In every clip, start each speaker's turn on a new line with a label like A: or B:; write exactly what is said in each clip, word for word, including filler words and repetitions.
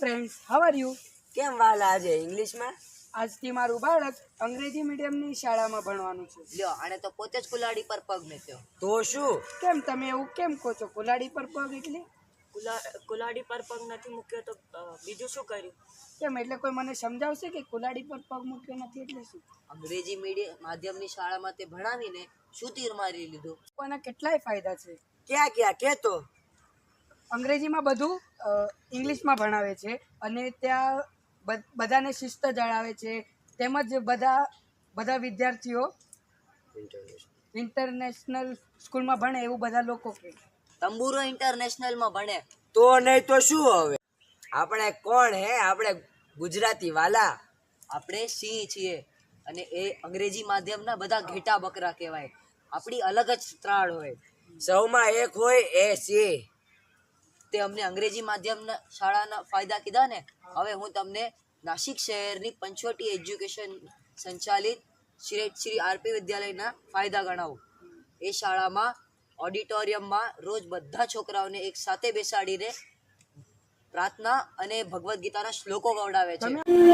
A: friends, how are you?
B: કેમ વાલા આજે ઇંગ્લિશમાં?
A: આજથી મારું બાળક અંગ્રેજી મીડિયમની શાળામાં ભણવાનું છે.
C: લ્યો આને તો પોતે જ કુલાડી પર પગ મૂક્યો.
B: તો શું?
A: કેમ તમે એવું કેમ કહો છો? કુલાડી પર પગ એટલે
D: કુલાડી પર પગ નથી મૂક્યો તો બીજું શું કર્યું?
A: કેમ એટલે કોઈ મને સમજાવશે કે કુલાડી પર પગ મૂક્યો નથી એટલે શું?
C: અંગ્રેજી મીડિયમ માધ્યમની શાળામાં તે ભણાવીને શું તીર મારી લીધું?
A: આના કેટલાય ફાયદા છે.
B: ક્યાં ક્યાં કે તો?
A: અંગ્રેજીમાં બધું ઇંગ્લિશમાં ભણાવે છે અને ત્યાં બધાને શિસ્ત જણાવે છે. તેમજ બધા બધા વિદ્યાર્થીઓ ઇન્ટરનેશનલ સ્કૂલમાં ભણે એવું બધા લોકો કહે.
C: તંબુરો ઇન્ટરનેશનલમાં ભણે
B: તો નહીં તો શું હવે? આપણે કોણ હે? આપણે ગુજરાતી વાલા.
C: આપણે સિંહ છીએ અને એ અંગ્રેજી માધ્યમના બધા ઘેટા બકરા કહેવાય. આપણી અલગ જ ત્રાળ હોય.
B: સૌમાં એક હોય એ સિંહ.
C: તે અમને અંગ્રેજી માધ્યમના શાળાના ફાયદા કીધા ને. હવે હું તમને નાસિક શહેરની પંચવટી એજ્યુકેશન સંચાલિત શ્રી શ્રી આરપી વિદ્યાલયના ફાયદા ગણાવું. એ શાળામાં ઓડિટોરિયમમાં રોજ બધા છોકરાઓને એક સાથે બેસાડીને પ્રાર્થના અને ભગવદ્ ગીતાના શ્લોકો ગવડાવે છે.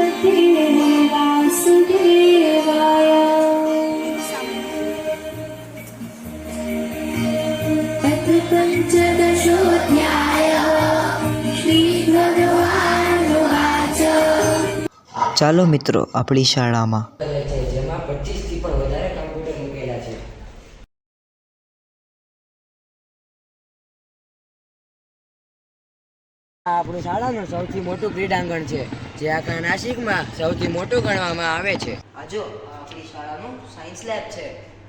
E: ચાલો મિત્રો આપણી શાળામાં.
B: જેમાં પચીસ થી પણ વધારે કમ્પ્યુટર મૂકેલા છે. આ આપણું શાળાનું સૌથી મોટું ક્રીડાંગણ છે, જે આખા નાસિકમાં સૌથી મોટું ગણવામાં આવે છે.
C: આ જો આ આપણી શાળાનું સાયન્સ લેબ છે.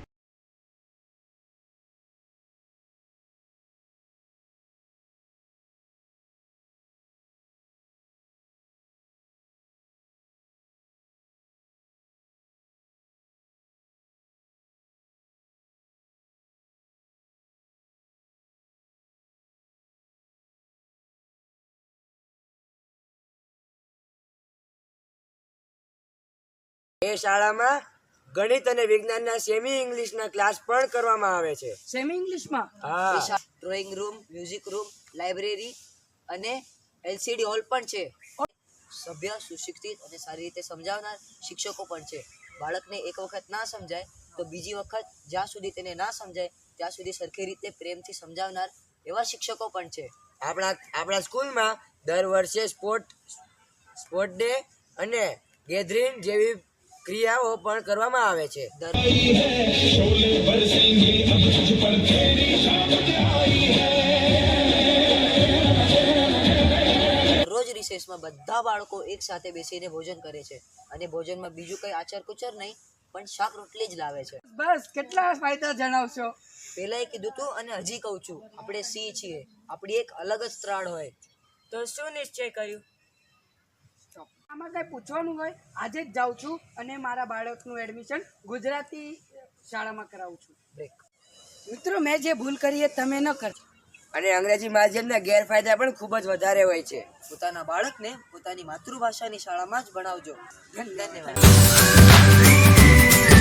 B: એ શાળામાં ગણિત અને વિજ્ઞાનના સેમી ઇંગ્લિશના ક્લાસ પણ કરવામાં આવે છે.
A: સેમી ઇંગ્લિશમાં?
B: હા.
C: Drawing room, music room, library અને એલસીડી હોલ પણ છે. સભ્ય, સુશિક્ષિત અને સારી રીતે સમજાવનાર શિક્ષકો પણ છે. બાળકને એક વખત ના સમજાય તો બીજી વખત જ્યાં સુધી તેને ના સમજાય ત્યાં સુધી સરખી રીતે પ્રેમથી સમજાવનાર એવા શિક્ષકો પણ છે.
B: આપણા આપણા સ્કૂલમાં દર વર્ષે સ્પોર્ટ સ્પોર્ટ ડે અને ગેધરિંગ જેવી ક્રિયાઓ પણ કરવામાં આવે છે.
C: રોજ રિસેસમાં બધા બાળકો એક સાથે બેસીને ભોજન કરે છે અને ભોજનમાં બીજું કઈ આચર કુચર નહીં પણ શાક રોટલી જ લાવે છે.
A: બસ કેટલા ફાયદા જણાવશો?
C: પહેલાં કીધું તું અને હજી કહું છું, આપણે સિંહ છીએ. આપણી એક અલગ જ ત્રાળ હોય.
D: તો શું નિશ્ચય કર્યું?
A: આમાં કઈ પૂછવાનું હોય? આજે જ જાઉં છું અને મારા બાળકનું એડમિશન ગુજરાતી શાળામાં કરાવું છું.
C: બ્રેક.
A: મિત્રો, મેં જે ભૂલ કરી એ તમે ન કરજો.
B: અને અંગ્રેજી માધ્યમના ગેરફાયદા પણ ખૂબ જ વધારે હોય છે.
C: પોતાના બાળકને પોતાની માતૃભાષાની શાળામાં જ ભણાવજો. ધન્યવાદ.